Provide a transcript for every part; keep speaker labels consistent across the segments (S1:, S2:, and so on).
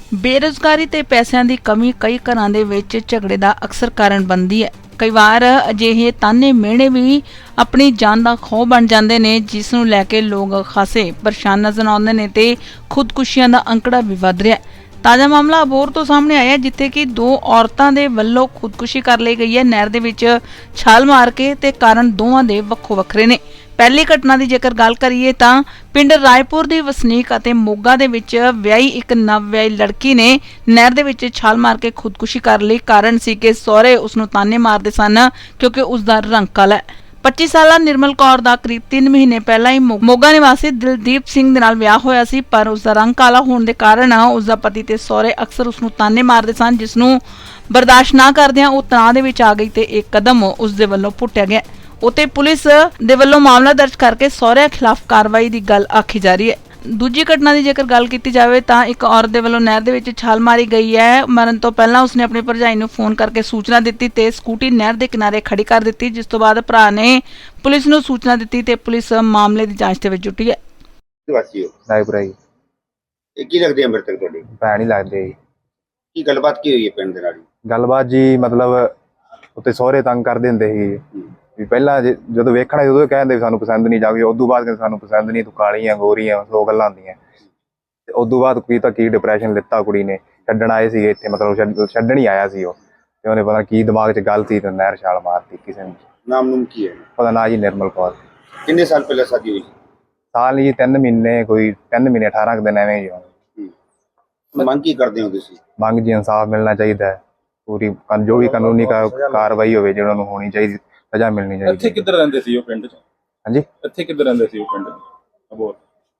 S1: ਬੇਰੁਜ਼ਗਾਰੀ ਤੇ ਪੈਸਿਆਂ ਦੀ ਕਮੀ ਕਈ ਘਰਾਂ ਦੇ ਵਿੱਚ ਝਗੜੇ ਦਾ ਅਕਸਰ ਕਾਰਨ ਬਣਦੀ ਹੈ। ਕਈ ਵਾਰ ਅਜਿਹੇ ਤਾਨੇ ਮਿਹਣੇ ਵੀ ਆਪਣੀ ਜਾਨ ਦਾ ਖੌਅ ਬਣ ਜਾਂਦੇ ਨੇ, ਜਿਸ ਨੂੰ ਲੈ ਕੇ ਲੋਕ ਖਾਸੇ ਪਰੇਸ਼ਾਨ ਨਜ਼ਰ ਆਉਂਦੇ ਨੇ ਤੇ ਖੁਦਕੁਸ਼ੀਆਂ ਦਾ ਅੰਕੜਾ ਵੀ ਵਧ ਰਿਹਾ ਹੈ। ਤਾਜ਼ਾ ਮਾਮਲਾ ਅਬੋਹਰ ਤੋਂ ਸਾਹਮਣੇ ਆਇਆ, ਜਿੱਥੇ ਕਿ ਦੋ ਔਰਤਾਂ ਦੇ ਵੱਲੋਂ ਖੁਦਕੁਸ਼ੀ ਕਰ ਲਈ ਗਈ ਹੈ ਨਹਿਰ ਦੇ ਵਿੱਚ ਛਾਲ ਮਾਰ ਕੇ, ਤੇ ਕਾਰਨ ਦੋਵਾਂ ਦੇ ਵੱਖੋ ਵੱਖਰੇ ਨੇ। ਪਹਿਲੀ ਘਟਨਾ ਦੀ ਜੇਕਰ ਗੱਲ ਕਰੀਏ ਤਾਂ ਪਿੰਡ ਰਾਏਪੁਰ ਦੀ ਵਸਨੀਕ ਅਤੇ ਮੋਗਾ ਦੇ ਵਿੱਚ ਵਿਆਹੀ ਇੱਕ ਨਵ-ਵਿਆਹੀ ਲੜਕੀ ਨੇ ਨਹਿਰ ਦੇ ਵਿੱਚ ਛਾਲ ਮਾਰ ਕੇ ਖੁਦਕੁਸ਼ੀ ਕਰ ਲਈ। ਕਾਰਨ ਸੀ ਕਿ ਸਹੁਰੇ ਉਸ ਨੂੰ ਤਾਨੇ ਮਾਰਦੇ ਸਨ ਕਿਉਂਕਿ ਉਸ ਦਾ ਰੰਗ ਕਾਲਾ ਹੈ। 25 ਸਾਲਾ ਨਿਰਮਲ ਕੌਰ ਦਾ ਕਰੀਬ 3 ਮਹੀਨੇ ਪਹਿਲਾਂ ਹੀ ਮੋਗਾ ਨਿਵਾਸੀ ਦਿਲਦੀਪ ਸਿੰਘ ਦੇ ਨਾਲ ਵਿਆਹ ਹੋਇਆ ਸੀ, ਪਰ ਉਸ ਦਾ ਰੰਗ ਕਾਲਾ ਹੋਣ ਦੇ ਕਾਰਨ ਉਸ ਦਾ ਪਤੀ ਤੇ ਸਹੁਰੇ ਅਕਸਰ ਉਸ ਨੂੰ ਤਾਨੇ ਮਾਰਦੇ ਸਨ, ਜਿਸ ਨੂੰ ਬਰਦਾਸ਼ਤ ਨਾ ਕਰਦਿਆਂ ਉਹ ਤਣਾਅ ਦੇ ਵਿੱਚ ਆ ਗਈ ਤੇ ਇੱਕ ਕਦਮ ਉਸ ਦੇ ਵੱਲੋਂ ਪੁੱਟਿਆ ਗਿਆ। ਉੱਥੇ ਪੁਲਿਸ ਦੇ ਵੱਲੋਂ ਮਾਮਲਾ ਦਰਜ ਕਰਕੇ ਸਹੁਰਿਆਂ ਖਿਲਾਫ ਕਾਰਵਾਈ ਦੀ ਗੱਲ ਆਖੀ ਜਾ ਰਹੀ ਹੈ। ਦੂਜੀ ਘਟਨਾ ਦੀ ਜੇਕਰ ਗੱਲ ਕੀਤੀ ਜਾਵੇ ਤਾਂ ਇੱਕ ਔਰਤ ਦੇ ਵੱਲੋਂ ਨਹਿਰ ਦੇ ਵਿੱਚ ਛਾਲ ਮਾਰੀ ਗਈ ਹੈ। ਮਰਨ ਤੋਂ ਪਹਿਲਾਂ ਉਸਨੇ ਆਪਣੀ ਭਰਜਾਈ ਨੂੰ ਫੋਨ ਕਰਕੇ ਸੂਚਨਾ ਦਿੱਤੀ ਤੇ ਸਕੂਟੀ ਨਹਿਰ ਦੇ ਕਿਨਾਰੇ ਖੜੀ ਕਰ ਦਿੱਤੀ, ਜਿਸ ਤੋਂ ਬਾਅਦ ਭਰਾ ਨੇ ਪੁਲਿਸ ਨੂੰ ਸੂਚਨਾ ਦਿੱਤੀ ਤੇ ਪੁਲਿਸ ਮਾਮਲੇ ਦੀ ਜਾਂਚ ਦੇ ਵਿੱਚ ਜੁਟੀ ਹੈ।
S2: ਰਾਏਪੁਰਾ ਜੀ।
S3: ਇਹ ਕੀ ਲੱਗਦੇ ਆ ਮ੍ਰਿਤਕ ਤੁਹਾਡੇ?
S2: ਭੈਣ ਹੀ ਲੱਗਦੇ ਜੀ।
S3: ਕੀ ਗੱਲਬਾਤ ਕੀ ਹੋਈ ਹੈ ਪਿੰਡ ਦੇ ਨਾਲ?
S2: ਗੱਲਬਾਤ ਜੀ ਮਤਲਬ ਉੱਤੇ ਸਹੁਰੇ ਤੰਗ ਕਰਦੇ ਹੁੰਦੇ ਸੀ ਵੀ ਪਹਿਲਾਂ ਜਦੋਂ ਵੇਖਣਾ ਸੀ ਉਦੋਂ ਕਹਿੰਦੇ ਸਾਨੂੰ ਪਸੰਦ ਨਹੀਂ, ਜਾਵੇ ਉਦੋਂ ਬਾਅਦ ਕਹਿੰਦੇ ਸਾਨੂੰ ਪਸੰਦ ਨਹੀਂ, ਤੂੰ ਕਾਲੀ ਆ ਗੋਰੀ ਆ, 100 ਗੱਲਾਂ ਹੁੰਦੀਆਂ। ਤੇ ਉਦੋਂ ਬਾਅਦ ਕੀ ਤਾਂ ਕੀ ਡਿਪਰੈਸ਼ਨ ਲਿੱਤਾ ਕੁੜੀ ਨੇ। ਛੱਡਣ ਆਏ ਸੀਗੇ ਇੱਥੇ, ਮਤਲਬ ਛੱਡਣ ਹੀ ਆਇਆ ਸੀ ਉਹ, ਤੇ ਉਹਨੇ ਪਤਾ ਕੀ ਦਿਮਾਗ 'ਚ ਗੱਲ ਸੀ ਤੇ ਨਹਿਰ ਛਾਲ ਮਾਰਤੀ ਕਿਸੇ ਨੇ।
S3: ਨਾਮ ਨੂਮ ਕੀ ਹੈ?
S2: ਉਹਦਾ ਨਾਂ ਜੀ ਨਿਰਮਲ ਕੌਰ।
S3: ਕਿੰਨੇ ਸਾਲ ਪਹਿਲਾਂ ਸ਼ਾਦੀ ਹੋਈ?
S2: ਸਾਲ ਨਹੀਂ ਜੀ, 3 ਮਹੀਨੇ, ਕੋਈ 3 ਮਹੀਨੇ 18 ਕੁ ਦਿਨ ਐਵੇਂ ਹੀ।
S3: ਮੰਗ ਕੀ ਕਰਦੇ ਹੋ ਤੁਸੀਂ?
S2: ਮੰਗ ਜੀ ਇਨਸਾਫ ਮਿਲਣਾ ਚਾਹੀਦਾ ਹੈ, ਪੂਰੀ ਜੋ ਵੀ ਕਾਨੂੰਨੀ ਕਾਰਵਾਈ ਹੋਵੇ ਜਿਹੜਾ ਨੂੰ ਹੋਣੀ ਚਾਹੀਦੀ, ਸਜ਼ਾ ਮਿਲਣੀ ਚਾਹੀਦੀ।
S4: ਇੱਥੇ ਕਿੱਧਰ ਰਹਿੰਦੇ ਸੀ ਉਹ ਪਿੰਡ 'ਚ?
S2: ਹਾਂਜੀ,
S4: ਇੱਥੇ ਕਿੱਧਰ ਰਹਿੰਦੇ ਸੀ ਉਹ ਪਿੰਡ 'ਚ? ਅਬੋਹਰ।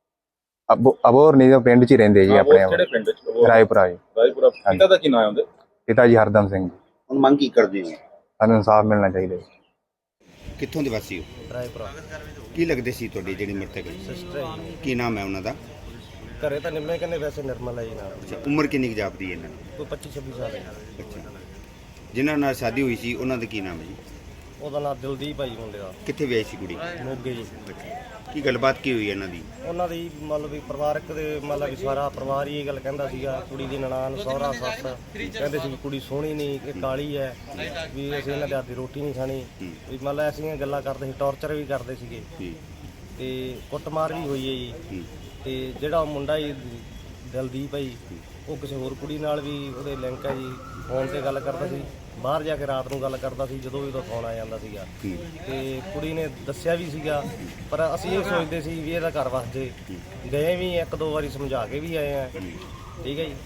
S2: ਅਬੋਹਰ ਨਹੀਂ, ਉਹ ਪਿੰਡ 'ਚ ਹੀ ਰਹਿੰਦੇ ਜੀ ਆਪਣੇ।
S4: ਕਿਹੜੇ ਪਿੰਡ 'ਚ?
S2: ਰਾਏਪੁਰਾ ਜੀ।
S4: ਰਾਏਪੁਰਾ। ਪਿਤਾ ਦਾ ਕੀ ਨਾਮ ਹੈ ਉਹਦੇ?
S2: ਪਿਤਾ ਜੀ ਹਰਦਮ ਸਿੰਘ ਜੀ।
S3: ਹੁਣ ਮੰਗ ਕੀ ਕਰਦੇ ਹੋ?
S2: ਸਾਨੂੰ ਇਨਸਾਫ ਮਿਲਣਾ ਚਾਹੀਦਾ ਜੀ।
S3: ਕਿੱਥੋਂ ਦੇ ਵਾਸੀ ਹੋ?
S5: ਰਾਏਪੁਰਾ।
S3: ਕੀ ਲੱਗਦੇ ਸੀ ਤੁਹਾਡੀ ਜਿਹੜੀ ਮ੍ਰਿਤਕ?
S5: ਸਿਸਟਰ ਹੈ ਜੀ।
S3: ਕੀ ਨਾਮ ਹੈ ਉਹਨਾਂ ਦਾ?
S5: ਘਰੇ ਤਾਂ ਨਿੰਮੇ ਕਹਿੰਦੇ, ਵੈਸੇ ਨਿਰਮਲ ਹੈ ਜੀ ਨਾਮ।
S3: ਅੱਛਾ, ਉਮਰ ਕਿੰਨੀ ਕੁ ਜਾਪਦੀ ਹੈ ਇਹਨਾਂ ਦੀ?
S5: ਕੋਈ 25-26 ਸਾਲ ਹੈ।
S3: ਅੱਛਾ, ਜਿਨ੍ਹਾਂ ਨਾਲ ਸ਼ਾਦੀ ਹੋਈ ਸੀ ਉਹਨਾਂ ਦਾ ਕੀ ਨਾਮ ਹੈ ਜੀ?
S5: ਉਹਦਾ ਨਾਮ ਦਿਲਦੀਪ ਭਾਈ ਮੁੰਡੇ ਦਾ।
S3: ਕਿੱਥੇ ਵਿਆਹੀ ਸੀ ਕੁੜੀ?
S5: ਮੋਗੇ ਜੀ।
S3: ਕੀ ਗੱਲਬਾਤ ਕੀ ਹੋਈ ਇਹਨਾਂ ਦੀ?
S5: ਉਹਨਾਂ ਦੀ ਮਤਲਬ ਵੀ ਪਰਿਵਾਰਕ ਦੇ ਮਤਲਬ ਵੀ ਸਾਰਾ ਪਰਿਵਾਰ ਹੀ ਇਹ ਗੱਲ ਕਹਿੰਦਾ ਸੀਗਾ, ਕੁੜੀ ਦੀ ਨਨਾਣ, ਸਹੁਰਾ, ਸੱਸ ਕਹਿੰਦੇ ਸੀ ਵੀ ਕੁੜੀ ਸੋਹਣੀ ਨਹੀਂ, ਇਹ ਕਾਲੀ ਹੈ, ਵੀ ਅਸੀਂ ਇਹਨਾਂ ਦੇ ਹੱਥ ਦੀ ਰੋਟੀ ਨਹੀਂ ਖਾਣੀ, ਵੀ ਮਤਲਬ ਐਸੀਆਂ ਗੱਲਾਂ ਕਰਦੇ ਸੀ, ਟੌਰਚਰ ਵੀ ਕਰਦੇ ਸੀਗੇ ਤੇ ਕੁੱਟਮਾਰ ਵੀ ਹੋਈ ਹੈ ਜੀ। ਤੇ ਜਿਹੜਾ ਮੁੰਡਾ ਜੀ ਦਿਲਦੀਪ ਹੈ ਜੀ, ਉਹ ਕਿਸੇ ਹੋਰ ਕੁੜੀ ਨਾਲ ਵੀ ਉਹਦੇ ਲਿੰਕ ਹੈ ਜੀ, ਫੋਨ ਤੇ ਗੱਲ ਕਰਦਾ ਸੀ, ਬਾਹਰ ਜਾ ਕੇ ਰਾਤ ਨੂੰ ਗੱਲ ਕਰਦਾ ਸੀ ਜਦੋਂ ਵੀ ਉਹਦਾ ਫੋਨ ਆ ਜਾਂਦਾ ਸੀਗਾ। ਤੇ ਕੁੜੀ ਨੇ ਦੱਸਿਆ ਵੀ ਸੀਗਾ, ਪਰ ਅਸੀਂ ਇਹ ਸੋਚਦੇ ਸੀ ਵੀ ਇਹਦਾ ਘਰ ਵਸ ਜੇ। ਗਏ ਵੀ 1-2 ਵਾਰੀ ਸਮਝਾ ਕੇ ਵੀ ਆਏ ਆ, ਠੀਕ ਹੈ ਜੀ,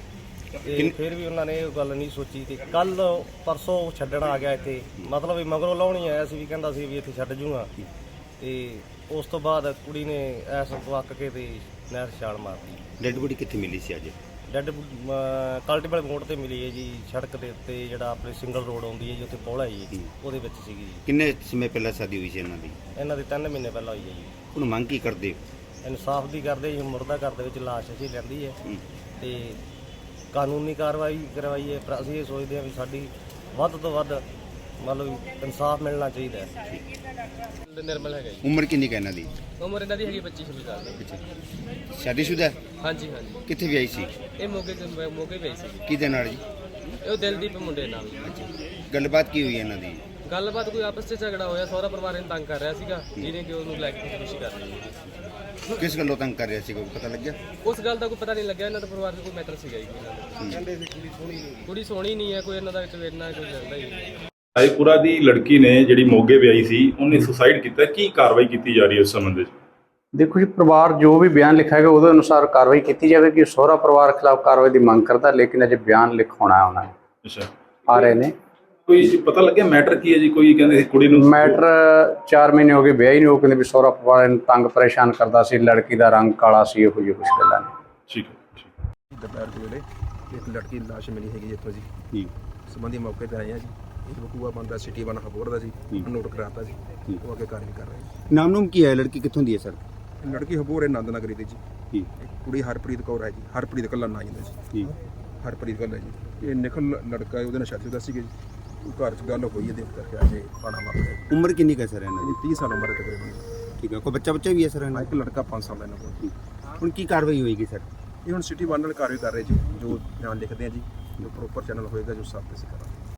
S5: ਤੇ ਫਿਰ ਵੀ ਉਹਨਾਂ ਨੇ ਇਹ ਗੱਲ ਨਹੀਂ ਸੋਚੀ। ਤੇ ਕੱਲ ਪਰਸੋਂ ਛੱਡਣ ਆ ਗਿਆ ਇੱਥੇ, ਮਤਲਬ ਵੀ ਮਗਰੋਂ ਲਾਉਣੀ ਆਇਆ ਸੀ, ਵੀ ਕਹਿੰਦਾ ਸੀ ਵੀ ਇੱਥੇ ਛੱਡ ਜੂਗਾ। ਤੇ ਉਸ ਤੋਂ ਬਾਅਦ ਕੁੜੀ ਨੇ ਐਸ ਵਕ ਕੇ ਤੇ ਨਹਿਰ ਛਾਲ ਮਾਰਤੀ।
S3: ਡੈਡ ਬੋਡੀ ਕਿੱਥੇ ਮਿਲੀ ਸੀ ਅੱਜ?
S5: ਡੈਡ ਕਲਟੀਵਲ ਮੋੜ ਤੇ ਮਿਲੀ ਹੈ ਜੀ, ਸੜਕ ਦੇ ਉੱਤੇ ਜਿਹੜਾ ਆਪਣੇ ਸਿੰਗਲ ਰੋਡ ਆਉਂਦੀ ਹੈ ਜੀ, ਉੱਥੇ ਪੌੜਾ ਜੀ, ਉਹਦੇ ਵਿੱਚ ਸੀਗੀ ਜੀ।
S3: ਕਿੰਨੇ ਸਮੇਂ ਪਹਿਲਾਂ ਸ਼ਾਦੀ ਹੋਈ ਸੀ ਇਹਨਾਂ ਦੀ?
S5: ਇਹਨਾਂ ਦੀ 3 ਮਹੀਨੇ ਪਹਿਲਾਂ ਹੋਈ ਹੈ ਜੀ।
S3: ਹੁਣ ਮੰਗ ਕੀ ਕਰਦੇ ਹੋ?
S5: ਇਨਸਾਫ ਦੀ ਕਰਦੇ ਜੀ, ਮੁਰਦਾ ਘਰ ਦੇ ਵਿੱਚ ਲਾਸ਼ ਅਸੀਂ ਲੈਂਦੀ ਹੈ ਤੇ ਕਾਨੂੰਨੀ ਕਾਰਵਾਈ ਕਰਵਾਈ ਹੈ। ਪਰ ਅਸੀਂ ਇਹ ਸੋਚਦੇ ਹਾਂ ਵੀ ਸਾਡੀ ਵੱਧ ਤੋਂ ਵੱਧ ਮਤਲਬ ਇਨਸਾਫ ਮਿਲਣਾ ਚਾਹੀਦਾ ਹੈ।
S6: ਨਿਰਮਲ ਹੈਗਾ ਜੀ।
S3: ਉਮਰ ਕਿੰਨੀ ਕੁ ਇਹਨਾਂ ਦੀ?
S6: ਉਮਰ ਇਹਨਾਂ ਦੀ ਹੈਗੀ 25-26 ਸਾਲ ਦੀ।
S3: ਸ਼ਾਦੀशुदा?
S6: ਹਾਂਜੀ ਹਾਂਜੀ।
S3: ਕਿੱਥੇ ਵਿਆਹੀ ਸੀ?
S6: ਇਹ ਮੋਗੇ ਪਈ ਸੀ।
S3: ਕਿਹਦੇ ਨਾਲ ਜੀ?
S6: ਇਹ ਦਿਲਦੀਪ ਮੁੰਡੇ ਨਾਲ।
S3: ਗੱਲਬਾਤ ਕੀ ਹੋਈ ਇਹਨਾਂ ਦੀ?
S6: ਗੱਲਬਾਤ ਕੋਈ ਆਪਸ 'ਚ ਝਗੜਾ ਹੋਇਆ, ਸਹੁਰਾ ਪਰਿਵਾਰ ਇਹਨੂੰ ਤੰਗ ਕਰ ਰਿਹਾ ਸੀਗਾ, ਜਿਹਨੇ ਕਿ ਉਹਨੂੰ ਲੈ ਕੇ ਖੁਦਕੁਸ਼ੀ ਕਰ ਲਈ।
S3: ਕਿਸ ਗੱਲੋਂ ਤੰਗ ਕਰ ਰਿਹਾ ਸੀ, ਕੋਈ ਪਤਾ ਲੱਗਿਆ?
S6: ਉਸ ਗੱਲ ਦਾ ਕੋਈ ਪਤਾ ਨਹੀਂ ਲੱਗਿਆ। ਇਹਨਾਂ ਦਾ ਪਰਿਵਾਰ 'ਚ ਕੋਈ ਮੈਟਰ ਸੀਗਾ ਜੀ ਇਹਨਾਂ ਦਾ। ਕਹਿੰਦੇ ਸੀ ਕੁੜੀ ਸੋਹਣੀ ਨਹੀਂ ਹੈ, ਕੋਈ ਇਹਨਾਂ ਦਾ ਵਿੱਚ ਵੇਰਨਾ ਕੋਈ ਜਾਂਦਾ ਹੀ ਨਹੀਂ।
S4: ਰਾਏਪੁਰਾ ਦੀ ਲੜਕੀ ਨੇ ਜਿਹੜੀ ਮੋਗੇ ਵਿਆਹੀ ਸੀ, ਉਹਨੇ ਸੁਸਾਈਡ ਕੀਤਾ। ਕੀ ਕਾਰਵਾਈ ਕੀਤੀ ਜਾ ਰਹੀ ਹੈ ਉਸ ਸੰਬੰਧ ਵਿੱਚ?
S7: ਦੇਖੋ ਜੀ, ਪਰਿਵਾਰ ਜੋ ਵੀ ਬਿਆਨ ਲਿਖਾਏਗਾ ਉਹਦੇ ਅਨੁਸਾਰ ਕਾਰਵਾਈ ਕੀਤੀ ਜਾਵੇਗੀ। ਸਹੁਰਾ ਪਰਿਵਾਰ ਖਿਲਾਫ ਕਾਰਵਾਈ ਦੀ ਮੰਗ ਕਰਦਾ, ਲੇਕਿਨ ਅਜੇ ਬਿਆਨ ਲਿਖਾਉਣਾ ਉਹਨਾਂ ਨੇ।
S4: ਅੱਛਾ,
S7: ਆ ਰਹੇ ਨੇ।
S4: ਕੋਈ ਪਤਾ ਲੱਗਿਆ ਮੈਟਰ ਕੀ ਹੈ ਜੀ? ਕੋਈ ਕਹਿੰਦੇ ਸੀ ਕੁੜੀ ਨੂੰ
S7: ਮੈਟਰ 4 ਮਹੀਨੇ ਹੋ ਗਏ ਵਿਆਹ ਹੀ ਨਹੀਂ, ਉਹ ਕਹਿੰਦੇ ਵੀ ਸਹੁਰਾ ਪਰਿਵਾਰ ਨੂੰ ਤੰਗ ਪਰੇਸ਼ਾਨ ਕਰਦਾ ਸੀ, ਲੜਕੀ ਦਾ ਰੰਗ ਕਾਲਾ ਸੀ, ਇਹੋ ਜਿਹੀ ਕੁਛ ਗੱਲਾਂ ਨੇ।
S4: ਠੀਕ ਹੈ।
S8: ਦੁਪਹਿਰ ਦੇ ਵੇਲੇ ਇੱਕ ਲੜਕੀ ਦੀ ਲਾਸ਼ ਮਿਲੀ ਹੈਗੀ ਇੱਥੋਂ ਜੀ। ਸੰਬੰਧੀ ਮੌਕੇ ਤੇ ਆਏ ਆ ਜੀ। ਇੱਕ ਬਕੂਆ ਬੰਦਾ ਸਿਟੀ ਬਣਾ ਹਬੋਰ ਦਾ ਸੀ, ਨੋਟ ਕਰਾਤਾ ਸੀ, ਉਹ ਅੱਗੇ ਕਾਰਵਾਈ ਕਰ ਰਹੇ।
S3: ਨਾਮ ਨੂਮ ਕੀ ਹੈ? ਲੜਕੀ ਕਿੱਥੋਂ ਦੀ ਹੈ ਸਰ?
S8: ਲੜਕੀ ਹਬੋਰ ਹੈ, ਨੰਦ ਨਗਰੀ ਦੀ ਜੀ। ਕੁੜੀ ਹਰਪ੍ਰੀਤ ਕੌਰ ਹੈ ਜੀ। ਹਰਪ੍ਰੀਤ ਕੱਲਾ ਨਾਂ ਜਾਂਦਾ ਜੀ। ਹਰਪ੍ਰੀਤ ਕੱਲਾ ਜੀ। ਇਹ ਨਿਖਲ ਲੜਕਾ ਹੈ, ਉਹਦੇ ਨਾਲ ਸ਼ਾਦੀ ਸੀ ਜੀ। ਘਰ 'ਚ ਗੱਲ ਹੋਈ ਹੈ, ਦੇਖ ਕਰਕੇ ਅਜੇ ਪਾਣਾ ਮਾਰਦਾ।
S3: ਉਮਰ ਕਿੰਨੀ ਕੁ ਹੈ ਸਰ ਇਹਨਾਂ ਦੀ?
S8: 30 ਸਾਲ ਉਮਰ ਹੈ ਤਕਰੀਬਨ।
S3: ਠੀਕ ਹੈ। ਕੋਈ ਬੱਚਾ ਵੀ ਹੈ ਸਰ ਇਹਨਾਂ?
S8: ਇੱਕ ਲੜਕਾ 5 ਸਾਲ ਦਾ ਇਹਨਾਂ ਕੋਲ।
S3: ਹੁਣ ਕੀ ਕਾਰਵਾਈ ਹੋਏਗੀ ਸਰ?
S8: ਇਹ ਹੁਣ ਸਿਟੀ 1 ਨਾਲ ਕਾਰਵਾਈ ਕਰ ਰਹੇ ਜੀ, ਜੋ ਬਿਆਨ ਲਿਖਦੇ ਆ ਜੀ, ਜੋ ਪ੍ਰੋਪਰ ਚੈਨਲ ਹੋਏਗਾ ਜੋ ਸਾਫ਼ ਅਸੀਂ ਕਰਾਂਗੇ।